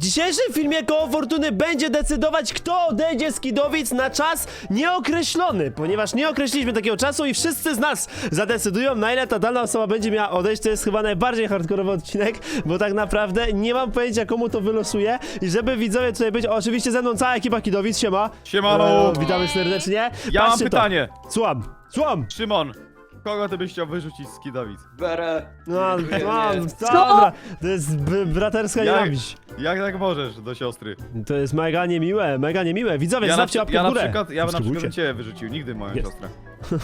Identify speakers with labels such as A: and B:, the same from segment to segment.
A: dzisiejszym filmie Koło Fortuny będzie decydować, kto odejdzie z Kidowic na czas nieokreślony, ponieważ nie określiliśmy takiego czasu i wszyscy z nas zadecydują, na ile ta dana osoba będzie miała odejść. To jest chyba najbardziej hardkorowy odcinek, bo tak naprawdę nie mam pojęcia, komu to wylosuje. I żeby widzowie tutaj być, oczywiście ze mną cała ekipa Kidowic, siema.
B: Siemano.
A: Witamy serdecznie.
B: Ja mam
A: Patrzcie to.
B: pytanie.
A: Słucham.
B: Szymon, kogo ty byś chciał wyrzucić z Kidowic?
C: Berę.
A: No,
C: Nie.
A: dobra, to jest braterska nienawiść.
B: Jak tak możesz do siostry?
A: To jest mega niemiłe, mega niemiłe. Widzowie,
B: Ja
A: zostawcie łapkę w górę.
B: na przykład bym
A: Subskrybujcie.
B: ciebie wyrzucił, nigdy moją
A: Jest.
B: siostrę.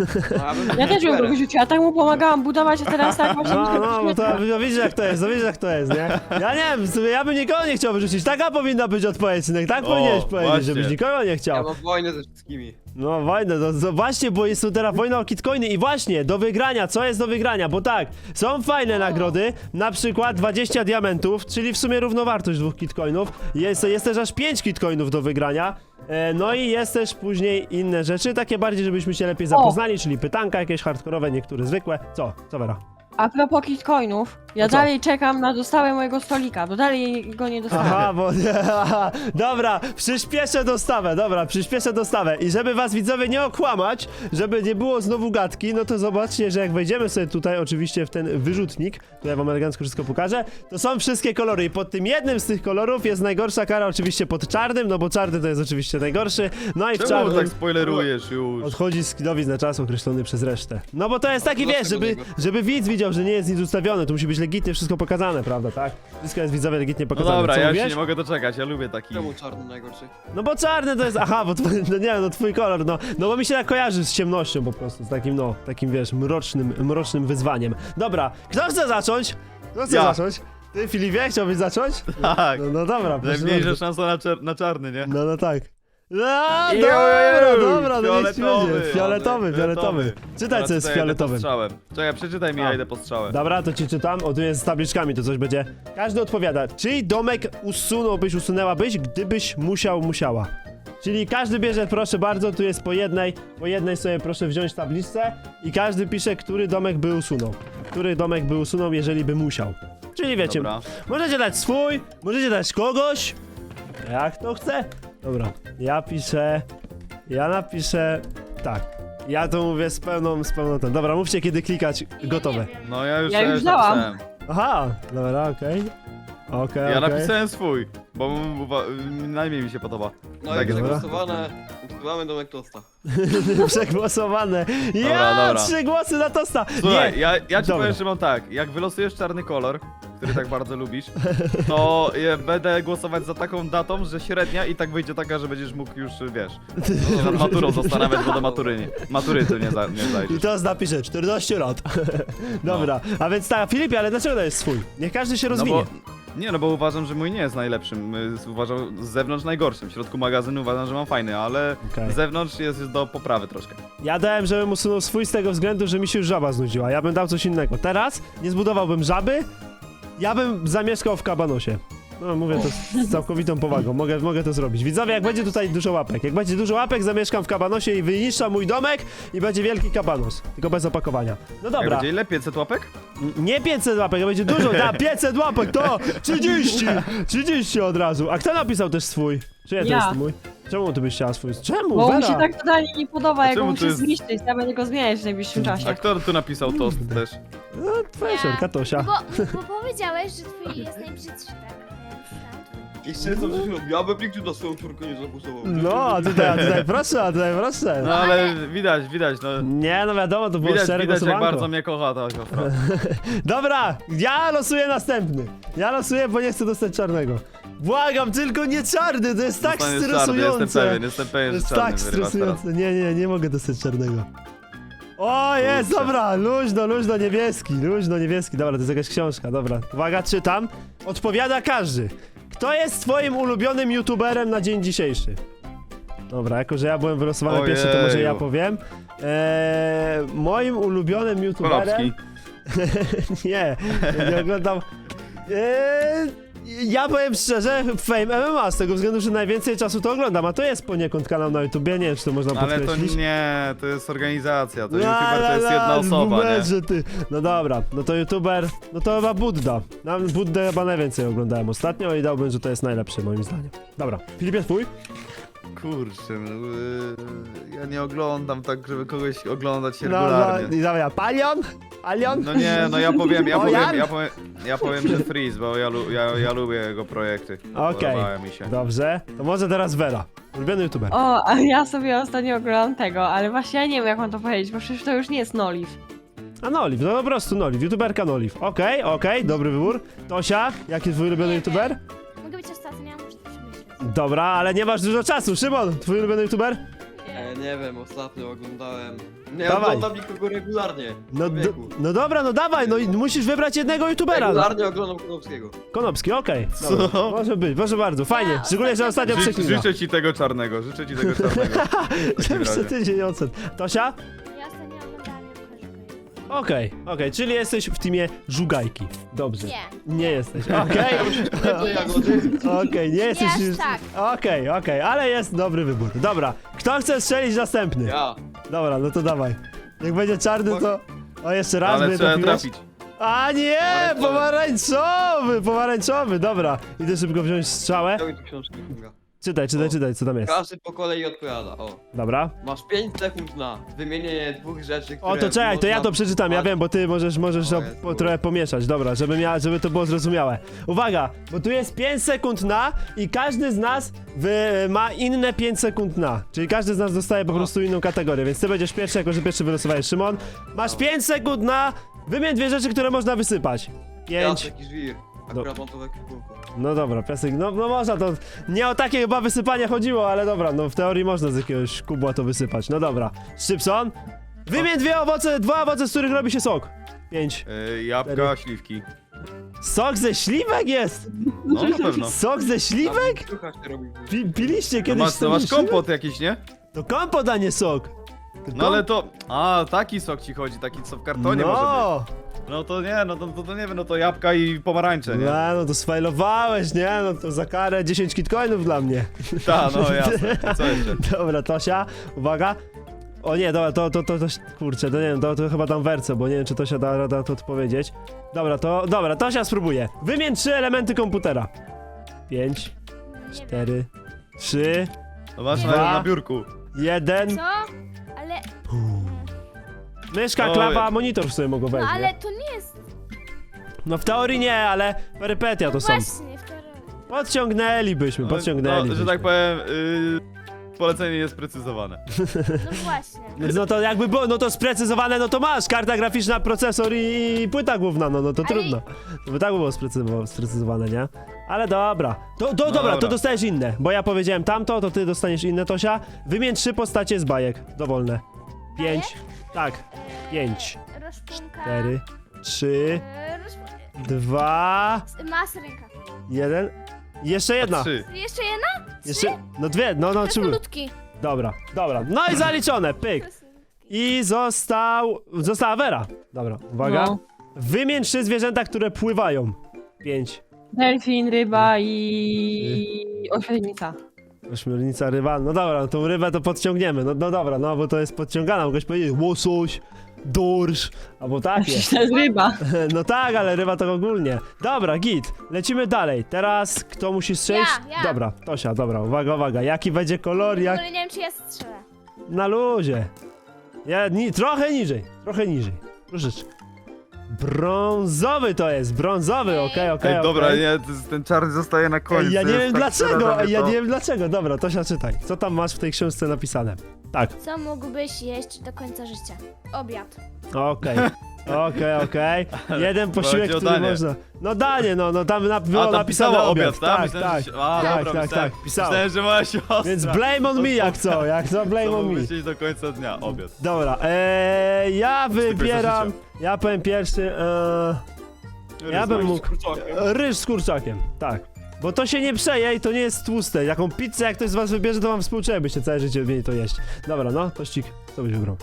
D: Ja też ją go wyrzuciła, tak mu pomagałam budować, a teraz tak właśnie...
A: No, bo to widzisz jak to jest, widzisz jak to jest, nie? Ja nie wiem, w sumie ja bym nikogo nie chciał wyrzucić. Taka powinna być odpowiedź, synek, tak
B: O,
A: powinieneś powiedzieć,
B: właśnie.
A: żebyś nikogo nie
C: Ja
A: chciał.
C: mam wojnę ze wszystkimi.
A: No wojnę, to właśnie, bo jest tu teraz wojna o kitcoiny i właśnie, do wygrania, co jest do wygrania, bo tak, są fajne nagrody, na przykład 20 diamentów, czyli w sumie równowartość 2 kitcoinów, jest też aż 5 kitcoinów do wygrania, no i jest też później inne rzeczy, takie bardziej, żebyśmy się lepiej zapoznali, czyli pytanka jakieś hardkorowe, niektóre zwykłe. Co Vera?
D: A propos kitcoinów, ja
A: No co?
D: dalej czekam na dostawę mojego stolika, bo dalej go nie dostałem.
A: Aha, bo aha, dobra, przyspieszę dostawę i żeby was widzowie nie okłamać, żeby nie było znowu gadki, no to zobaczcie, że jak wejdziemy sobie tutaj oczywiście w ten wyrzutnik, to ja wam elegancko wszystko pokażę, to są wszystkie kolory i pod tym jednym z tych kolorów jest najgorsza kara oczywiście pod czarnym, no bo czarny to jest oczywiście najgorszy, no i w
B: Czemu
A: czarnym
B: tak spoilerujesz już?
A: odchodzi z Kidowic na czas określony przez resztę. No bo to jest taki, wiesz, żeby widz widział, że nie jest nic ustawione, to musi być legitnie wszystko pokazane, prawda, tak? Wszystko jest widzowie legitnie
B: No
A: pokazane.
B: dobra,
A: Co
B: ja się
A: mówiłeś?
B: nie mogę doczekać, ja lubię taki...
C: Czemu czarny najgorszy?
A: No bo czarny to jest, aha, bo twój, no nie, no twój kolor, no bo mi się tak kojarzy z ciemnością po prostu, z takim, no, takim wiesz, mrocznym wyzwaniem. Dobra, kto chce zacząć? Kto chce
B: Ja.
A: zacząć? Ty, Filipie, chciałbyś zacząć?
B: Tak,
A: No dobra, proszę
B: najmniejsza
A: bardzo.
B: szansa na czarny, nie?
A: No tak. No,
B: Jeju,
A: dobra, no niech ci będzie.
B: fioletowy.
A: Fioletowy. Czytaj, co jest
B: Teraz tutaj
A: fioletowym.
B: jedę po strzałem. Czekaj, przeczytaj mi,
A: A.
B: ja idę po strzałem.
A: Dobra, to ci czytam. O, tu jest z tabliczkami, to coś będzie. Każdy odpowiada. Czyj domek usunęłabyś, gdybyś musiała? Czyli każdy bierze, proszę bardzo, tu jest po jednej sobie proszę wziąć tabliczce i każdy pisze, który domek by usunął. Który domek by usunął, jeżeli by musiał. Czyli wiecie,
B: Dobra.
A: możecie dać swój, możecie dać kogoś, jak to chce. Dobra, ja napiszę tak. Ja to mówię z pełną ten. Dobra, mówcie kiedy klikać, gotowe.
B: No ja już,
D: Ja już dałam.
B: napisałem.
A: Aha, dobra, okej. Okej.
B: Ja napisałem swój, bo najmniej mi się podoba.
C: No
B: Tak
C: i
B: jest.
C: przegłosowane. Usuwamy domek tosta.
A: Przegłosowane.
B: Dobra,
A: Ja,
B: dobra.
A: 3 głosy na tosta.
B: Słuchaj,
A: Nie.
B: ja ci
A: Dobra.
B: powiem, że mam tak, jak wylosujesz czarny kolor, który tak bardzo lubisz, to ja będę głosować za taką datą, że średnia i tak wyjdzie taka, że będziesz mógł już, wiesz, się nad maturą zastanawiać, bo do matury ty nie
A: I
B: zajdziesz.
A: to napiszę 14 lat. Dobra, a więc tak, Filipie, ale dlaczego to jest swój? Niech każdy się
B: No
A: rozwinie.
B: bo uważam, że mój nie jest najlepszym, uważam z zewnątrz najgorszym, w środku magazynu uważam, że mam fajny, ale
A: Okej.
B: z zewnątrz jest do poprawy troszkę.
A: Ja dałem, żebym usunął swój z tego względu, że mi się już żaba znudziła. Ja bym dał coś innego. Teraz nie zbudowałbym żaby, ja bym zamieszkał w kabanosie. No mówię to z całkowitą powagą, mogę to zrobić. Widzowie, jak będzie tutaj dużo łapek, zamieszkam w kabanosie i wyniszczam mój domek i będzie wielki kabanos, tylko bez opakowania. No
B: Jak
A: dobra,
B: będzie ile? 500 łapek?
A: nie 500 łapek, będzie dużo, 500 łapek, to 30 od razu. A kto napisał też swój? Czyje to
D: Ja.
A: jest mój? Czemu ty byś chciała swój? Czemu,
D: Bo
A: Vera?
D: mu się tak totalnie nie podoba, jak
B: czemu
D: go
B: to
D: muszę
B: jest-
D: zniszczyć, ja będę go zmieniać w najbliższym
B: A
D: czasie.
B: kto tu napisał tost też?
A: No, twoja
E: Ja.
A: siorka Tosia.
E: Bo powiedziałeś, że twój jest najbrzydszy, tak?
C: Jeszcze co ja bym nigdy na swoją córkę nie zagłosował.
A: No, a tutaj proszę,
B: No ale widać, no.
A: Nie, no wiadomo, to było szczere
B: Widać jak
A: głosowanko.
B: bardzo mnie kocha ta siostra.
A: Dobra, ja losuję następny. Ja losuję, bo nie chcę dostać czarnego. Błagam, tylko nie czarny, to jest tak
B: Dostaniesz czarny,
A: stresujące.
B: jestem
A: To
B: pewien, że
A: jest
B: czarny
A: tak
B: wyrywasz teraz.
A: stresujące. Nie mogę dostać czarnego. O, jest,
B: Kurczę.
A: dobra, luźno niebieski, dobra, to jest jakaś książka, dobra. Uwaga, czytam. Odpowiada każdy. Kto jest twoim ulubionym youtuberem na dzień dzisiejszy? Dobra, jako że ja byłem wylosowany
B: Ojeju.
A: pierwszy, to może ja powiem. Moim ulubionym youtuberem...
B: Konopski.
A: nie oglądam... Ja powiem szczerze, Fame MMA, z tego względu, że najwięcej czasu to oglądam, a to jest poniekąd kanał na YouTubie, nie wiem, czy to można
B: Ale to
A: podkreślić.
B: nie, to jest organizacja, to YouTuber to jest jedna osoba, nie?
A: Że ty. No dobra, no to YouTuber, no to chyba Budda. Na Buddę chyba najwięcej oglądałem ostatnio i dałbym, że to jest najlepszy moim zdaniem. Dobra, Filipie, twój?
B: Kurczę, ja nie oglądam tak, żeby kogoś oglądać
A: No,
B: regularnie.
A: i dobra, Palion? Palion?
B: No nie, no ja powiem,
A: Ojan?
B: ja powiem, że Freeze, bo ja lubię jego projekty.
A: Okej.
B: Podobały mi się.
A: Dobrze, to może teraz Vera. Ulubiony YouTuber.
D: O, a ja sobie ostatnio oglądam tego, ale właśnie ja nie wiem jak mam to powiedzieć, bo przecież to już nie jest Noliv.
A: A Noliv, no po prostu Noliv, YouTuberka Noliv. Okej, dobry wybór. Tosia, jaki twój ulubiony YouTuber?
E: Mogę być ostatnia, muszę to przemyśleć.
A: Dobra, ale nie masz dużo czasu. Szymon, twój ulubiony YouTuber?
C: Nie wiem, ostatnio oglądałem... Nie
A: Dawaj.
C: oglądam nikogo regularnie.
A: No,
C: Człowieku.
A: no dobra, no dawaj, no i musisz wybrać jednego YouTubera. No.
C: Regularnie oglądam Konopskiego.
A: Konopski, okej.
B: Co?
A: Dobra, może być, proszę bardzo, fajnie.
E: Ja
A: Szczególnie, że ostatnio przeklina.
B: Życzę ci tego czarnego, życzę ci tego czarnego. W takim
A: Zawsze
B: razie.
A: tydzień ocen. Tosia?
E: Ja ostatnio oglądałam jak
A: Okej, czyli jesteś w teamie żugajki. Dobrze.
E: Nie.
A: Nie jesteś, okej. Okej, nie jesteś
E: aż
A: już...
E: tak.
A: Okej, ale jest dobry wybór. Dobra, kto chce strzelić następny?
C: Ja.
A: Dobra, no to dawaj. Jak będzie czarny, to... O, jeszcze raz,
B: Ale
A: mnie
B: trzeba
A: trafiłeś.
B: trafić.
A: A nie, pomarańczowy, dobra. Idę szybko wziąć strzałę.
C: Daj mi tu książki.
A: Czytaj, co tam jest.
C: Każdy po kolei odpowiada. O.
A: Dobra.
C: Masz 5 sekund na wymienienie dwóch rzeczy, które...
A: O, to czekaj, to ja to przeczytam, ja wiem, bo ty możesz
C: O, Jezu.
A: trochę pomieszać, dobra, żeby to było zrozumiałe. Uwaga, bo tu jest 5 sekund na i każdy z nas ma inne 5 sekund na, czyli każdy z nas dostaje po prostu inną kategorię, więc ty będziesz pierwszy, jako że pierwszy wylosowałeś Szymon. Masz 5 sekund na, wymień dwie rzeczy, które można wysypać. 5.
C: Piasek i żwir. Akurat mam to w ekwipunku.
A: No dobra, piasek, no można to, nie o takie chyba wysypanie chodziło, ale dobra, no w teorii można z jakiegoś kubła to wysypać, no dobra. Szybson, wymień dwa owoce, z których robi się sok. 5.
B: Jabłka,
A: Cztery.
B: śliwki.
A: Sok ze śliwek jest?
B: No na pewno.
A: Sok ze śliwek?
C: Słuchaj, się robi.
A: Piliście
B: No
A: kiedyś
B: masz,
A: sok
B: to masz
A: ze śliwek?
B: kompot jakiś, nie?
A: To kompot, a nie sok.
B: No ale to... A, taki sok ci chodzi, taki co w kartonie może
A: No,
B: być. No to nie, no to nie wiem, no to jabłka i pomarańcze, nie?
A: no to sfajlowałeś, nie? No to za karę 10 kitcoinów dla mnie.
B: Ta, no jasne. Co jeszcze?
A: Dobra, Tosia, uwaga. O nie, dobra, to kurczę, to nie wiem, to chyba tam werce, bo nie wiem, czy Tosia da rada to odpowiedzieć. Dobra, Tosia spróbuje. Wymień 3 elementy komputera. 5,
E: Nie
A: 4, 3,
B: No masz
A: Dwa.
B: na biurku.
A: 1.
E: wiem. Co? Ale...
A: Myszka,
B: Oj.
A: klawa, monitor w sobie mogą
E: No
A: wejść,
E: ale
A: nie?
E: to nie jest...
A: No w teorii nie, ale perypetia to są.
E: Właśnie, w teorii.
A: Podciągnęlibyśmy.
B: No, że tak powiem, polecenie jest precyzowane.
E: No właśnie.
A: No to jakby było, no to sprecyzowane, no to masz, karta graficzna, procesor i płyta główna, no to
E: Ale-
A: trudno. To by tak było sprecyzowane, nie? Ale dobra. Dobra,
B: dobra.
A: to dostajesz inne, bo ja powiedziałem tamto, to ty dostaniesz inne, Tosia. Wymień 3 postacie z bajek, dowolne. 5, tak, 5,
E: Roszpunka...
A: 4, 3, 2,
E: Masrynka.
A: 1. Jeszcze jedna.
B: 3.
E: Jeszcze jedna?
A: Jeszcze, no dwie, no trzy.
E: Krasnoludki.
A: Dobra. No i zaliczone, pyk. I została Vera. Dobra, uwaga.
D: No.
A: Wymień 3 zwierzęta, które pływają. 5.
D: Delfin, ryba i... ośmiornica.
A: Ośmiornica, ryba. No dobra, no tą rybę to podciągniemy. No dobra, no bo to jest podciągana. Mogłeś powiedzieć łosoś, dorsz, albo takie.
D: Przecież to jest ryba.
A: No tak, ale ryba to ogólnie. Dobra, git. Lecimy dalej. Teraz kto musi strzelić?
E: Ja.
A: Dobra, Tosia, dobra, uwaga. Jaki będzie kolor,
E: W
A: jak...
E: ogóle nie wiem, czy ja strzelę.
A: Na luzie. Trochę niżej. Troszeczkę. Brązowy to jest, brązowy, okej.
B: Ej, dobra, nie, ten czarny zostaje na koniec.
A: Ej, ja
B: to
A: nie
B: jest
A: wiem
B: tak
A: dlaczego,
B: przerażenie, to-
A: Dobra, Tosia, czytaj. Co tam masz w tej książce napisane? Tak,
E: Co mógłbyś jeść do końca życia? Obiad.
A: okej. Jeden posiłek,
B: Chodzi o
A: który
B: danie.
A: można... No danie, no tam było
B: A, tam
A: napisane
B: pisało
A: obiad.
B: obiad, tak?
A: Tak,
B: Myślałem,
A: tak.
B: że się- A,
A: Tak,
B: dobra,
A: tak, pisało.
B: Myślałem, że moja siostra.
A: Więc blame on me jak co, blame
B: To
A: on me.
B: mógłbyś jeść do końca dnia, obiad.
A: Dobra, ja wybieram... Ja powiem pierwszy, Ja bym mógł... Ryż z kurczakiem, tak. Bo to się nie przeje i to nie jest tłuste. Jaką pizzę, jak ktoś z was wybierze, to wam współczuję, byście całe życie mieli to jeść. Dobra, no, tościk, co byś wybrał?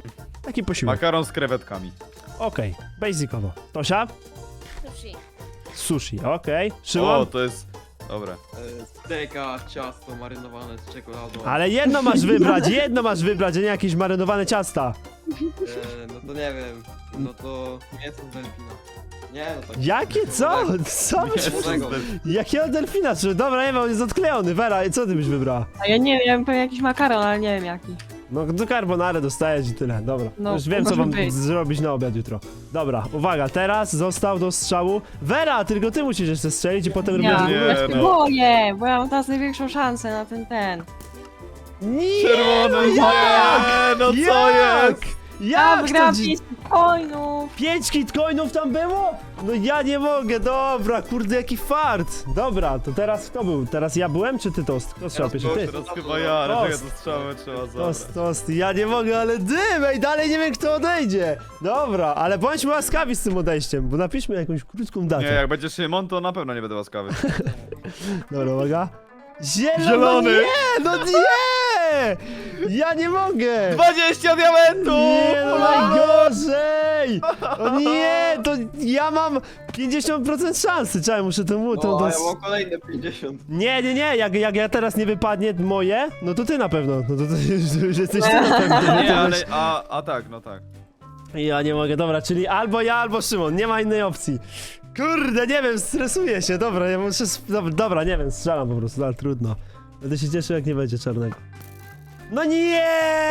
A: Taki posiłek.
B: Makaron z krewetkami.
A: Okej, basicowo. Tosia?
E: Sushi.
A: Sushi, okej.
B: O,
A: Szymon?
B: to jest... Dobra.
C: Steka, ciasto marynowane z czekoladą.
A: Ale jedno masz wybrać, a nie jakieś marynowane ciasta.
C: No to nie wiem. No to mięso z delfina. Nie, no tak.
A: Jakie? Co? Co byś...
C: Młodego.
A: Jakiego delfina? Czy- Dobra, nie wiem, on jest odklejony. Vera, co ty byś wybrała?
D: A ja nie wiem, ja bym pewnie jakiś makaron, ale nie wiem jaki.
A: No do carbonary dostajesz i tyle, dobra.
D: No,
A: Już wiem, co
D: może
A: wam
D: być.
A: zrobić na obiad jutro. Dobra, uwaga, teraz został do strzału. Vera, tylko ty musisz jeszcze strzelić i potem
D: Ja,
A: robimy...
B: Nie,
D: ja się
B: no.
D: boję, bo ja mam teraz największą szansę na ten.
A: Nie,
B: Czerwony,
A: no
B: nie,
A: jak?
B: no co
A: Jak?
B: jest?
D: Ja
A: Jak to
D: wygrałam
A: dzi-
D: 5 coinów!
A: 5 kitcoinów tam było? No ja nie mogę, dobra, kurde, jaki fart. Dobra, to teraz kto był? Teraz ja byłem, czy ty tost? Kto strzał pierwszy? Ty.
B: Teraz chyba ja, ale
A: Tost.
B: czekaj, to strzały trzeba zabrać.
A: Tost, ja nie mogę, ale dym, ej, dalej nie wiem kto odejdzie. Dobra, ale bądźmy łaskawi z tym odejściem, bo napiszmy jakąś krótką datę.
B: Nie, jak będzie Szymon, to na pewno nie będę łaskawy.
A: Dobra, uwaga. Zielony!
B: Zielony.
A: Nie, no nie! Ja nie mogę!
B: 20 diamentów!
A: Nie, no najgorzej! O nie, to ja mam 50% szansy. Czekaj, muszę to...
C: No, a ja mam kolejne 50.
A: Nie, jak ja teraz nie wypadnie moje, no to ty na pewno. No to już jesteś ty na pewno.
B: Nie, ale, a tak, no tak.
A: Ja nie mogę, dobra, czyli albo ja, albo Szymon, nie ma innej opcji. Kurde, nie wiem, stresuję się, dobra, ja muszę... Dobra, nie wiem, strzelam po prostu, ale trudno. Będę się cieszył, jak nie będzie czarnego. No nie!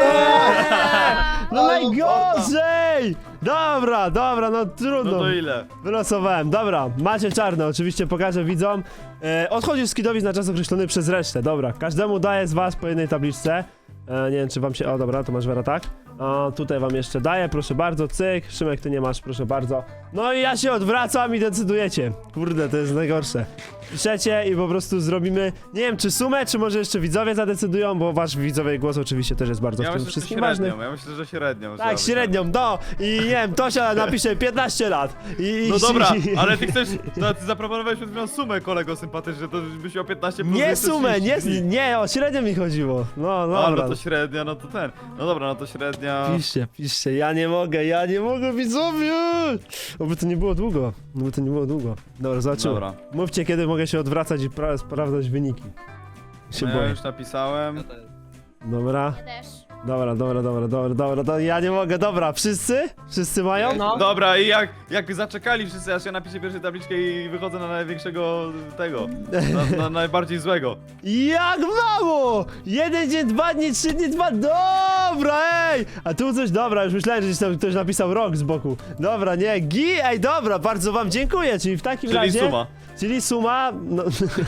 A: No najgorzej! Dobra, no trudno.
B: No to ile?
A: Wylosowałem, dobra, macie czarne, oczywiście pokażę widzom. Odchodzisz z kidowic na czas określony przez resztę, dobra. Każdemu daję z was po jednej tabliczce. Nie wiem, czy wam się... O, dobra, to masz Vera, tak? Tutaj wam jeszcze daję, proszę bardzo, cyk. Szymek, ty nie masz, proszę bardzo. No i ja się odwracam i decydujecie. Kurde, to jest najgorsze. Piszecie i po prostu zrobimy, nie wiem, czy sumę, czy może jeszcze widzowie zadecydują, bo wasz widzowie głos oczywiście też jest bardzo
B: Ja
A: w tym
B: myślę, że
A: wszystkim ważny.
B: średnią, ja myślę, że średnią.
A: Tak, średnią, no. I nie wiem, Tosia napisze 15 lat.
B: No dobra, ale ty chcesz, no, ty zaproponowałeś przed chwilą sumę, kolego sympatyczny, to byś miał 15 plus
A: Nie
B: jeszcze
A: sumę,
B: 30 dni.
A: nie, o średnią mi chodziło. No,
B: No
A: dobra.
B: to średnia, no to ten. No dobra, no to średnia.
A: Piszcie, ja nie mogę, widzowie! Oby to nie było długo, Dobra, zobaczymy.
B: Dobra.
A: Mówcie, kiedy mogę się odwracać i sprawdzać wyniki. Się
B: No, ja
A: boję.
B: już napisałem.
C: Ja też.
A: Dobra,
E: Ja też.
A: dobra, ja nie mogę, dobra, wszyscy? Wszyscy mają?
D: No.
B: Dobra, i jak zaczekali wszyscy, aż ja napiszę pierwszą tabliczkę i wychodzę na największego tego, na najbardziej złego.
A: Jak mało! 1 dzień, 2 dni, 3 dni, 2... Dobra, ej! A tu coś, dobra, już myślałem, że gdzieś tam ktoś napisał rok z boku. Dobra, nie, ej, dobra, bardzo wam dziękuję, czyli w takim
B: Czyli
A: razie...
B: suma.
A: Czyli suma, no,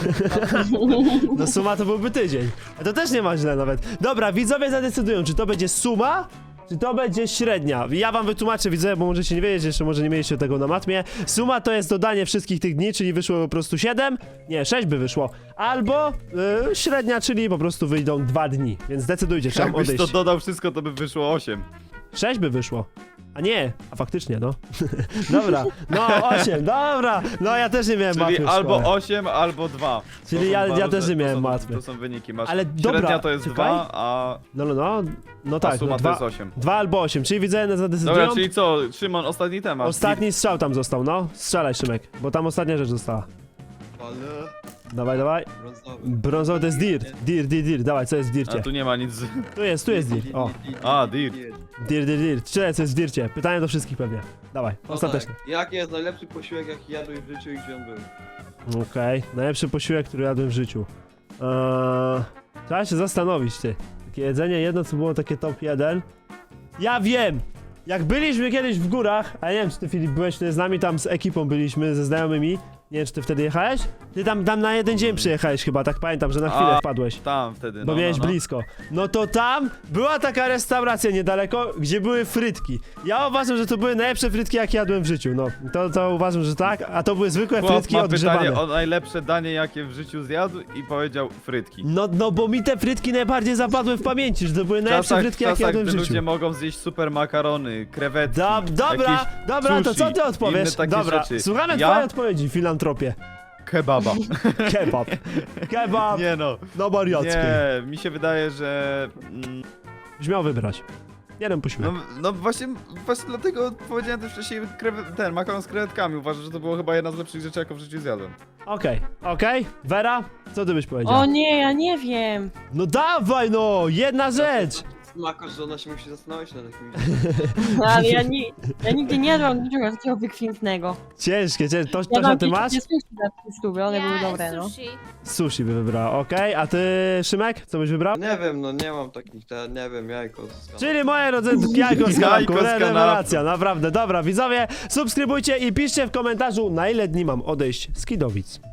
A: no suma to byłby tydzień. A to też nie ma źle nawet. Dobra, widzowie zadecydują, czy to będzie suma, czy to będzie średnia. Ja wam wytłumaczę, widzowie, bo możecie nie wiedzieć, jeszcze może nie mieliście tego na matmie. Suma to jest dodanie wszystkich tych dni, czyli wyszło po prostu 7, nie, 6 by wyszło. Albo średnia, czyli po prostu wyjdą 2 dni. Więc decydujcie, czy mam
B: Jakbyś
A: odejść.
B: to dodał wszystko, to by wyszło 8.
A: 6 by wyszło. A nie, a faktycznie, no. Dobra, no 8, dobra. No ja też nie miałem
B: Czyli
A: matmy w
B: albo
A: szkole.
B: 8, albo 2.
A: Czyli
B: To są
A: ja
B: dwa
A: też nie
B: różne-
A: miałem
B: to są-
A: matmy.
B: To są wyniki, masz.
A: Ale dobra,
B: Średnia to jest
A: czekaj.
B: 2, a
A: No tak,
B: suma
A: no,
B: to jest 8.
A: 2 albo 8, czyli widzowie zadecydują.
B: Dobra, czyli co, Szymon, ostatni temat.
A: Ostatni strzał tam został, no. Strzelaj, Szymek, bo tam ostatnia rzecz została.
C: Ale
A: Dawaj.
C: brązowy.
A: Brązowy to jest dirt. Dirt. Dawaj, co jest w
B: A
A: dircie?
B: tu nie ma nic.
A: Tu jest dirt. O,
B: A, dirt.
A: dirt. Czytaj, co jest w dircie. Pytanie do wszystkich pewnie. Dawaj,
C: No
A: ostateczne.
C: tak. Jaki jest najlepszy posiłek, jaki jadłeś w życiu i gdzie on był?
A: Okej, najlepszy posiłek, który jadłem w życiu. Trzeba się zastanowić, ty. Takie jedzenie, jedno co było takie top 1. Ja wiem! Jak byliśmy kiedyś w górach, a nie wiem czy ty Filip byłeś wtedy z nami, tam z ekipą byliśmy, ze znajomymi. Nie wiem czy ty wtedy jechałeś? Ty tam na jeden dzień przyjechałeś chyba, tak pamiętam, że na chwilę
B: A,
A: wpadłeś.
B: Tam wtedy,
A: Bo
B: no,
A: miałeś
B: no, no.
A: blisko. No to tam była taka restauracja niedaleko, gdzie były frytki. Ja uważam, że to były najlepsze frytki, jakie jadłem w życiu. No, to uważam, że tak, a to były zwykłe
B: Chłop
A: frytki
B: ma
A: odgrzewane.
B: pytanie o najlepsze danie, jakie w życiu zjadł i powiedział frytki.
A: No bo mi te frytki najbardziej zapadły w pamięci, że to były najlepsze frytki, jakie jadłem w
B: gdy
A: życiu.
B: ludzie mogą zjeść super makarony, krewetki,
A: Dobra,
B: jakieś
A: to co
B: sushi,
A: ty odpowiesz?
B: inne takie
A: Dobra,
B: rzeczy.
A: słuchamy
B: Ja?
A: twojej odpowiedzi, filantropie.
B: Kebaba.
A: Kebab,
B: Nie no,
A: no wariackie.
B: nie, mi się wydaje, że...
A: Byś miał wybrać. Jeden posiłek.
B: No właśnie dlatego powiedziałem też wcześniej ten makaron z krewetkami. Uważam, że to było chyba jedna z lepszych rzeczy, jaką w życiu zjadłem.
A: Okej. Vera, co ty byś powiedział?
D: O nie, ja nie wiem.
A: No dawaj no, jedna rzecz!
C: Smako, że ona się musi zastanowić nad jakimś...
D: No, ale ja nigdy nie jadłam niczego takiego wykwintnego.
A: Ciężkie, to
D: Jadłam
A: ty masz?
D: sushi za 300, one były dobre, no.
E: Sushi.
A: Sushi by wybrała, okej, a ty, Szymek, co byś wybrał?
C: Nie wiem, no nie mam takich, nie wiem, jajko z
A: Czyli moje rodzynki, jajko z
B: Jajko
A: kanapką,
B: z
A: rewelacja, naprawdę, dobra, widzowie, subskrybujcie i piszcie w komentarzu, na ile dni mam odejść z Kidowic.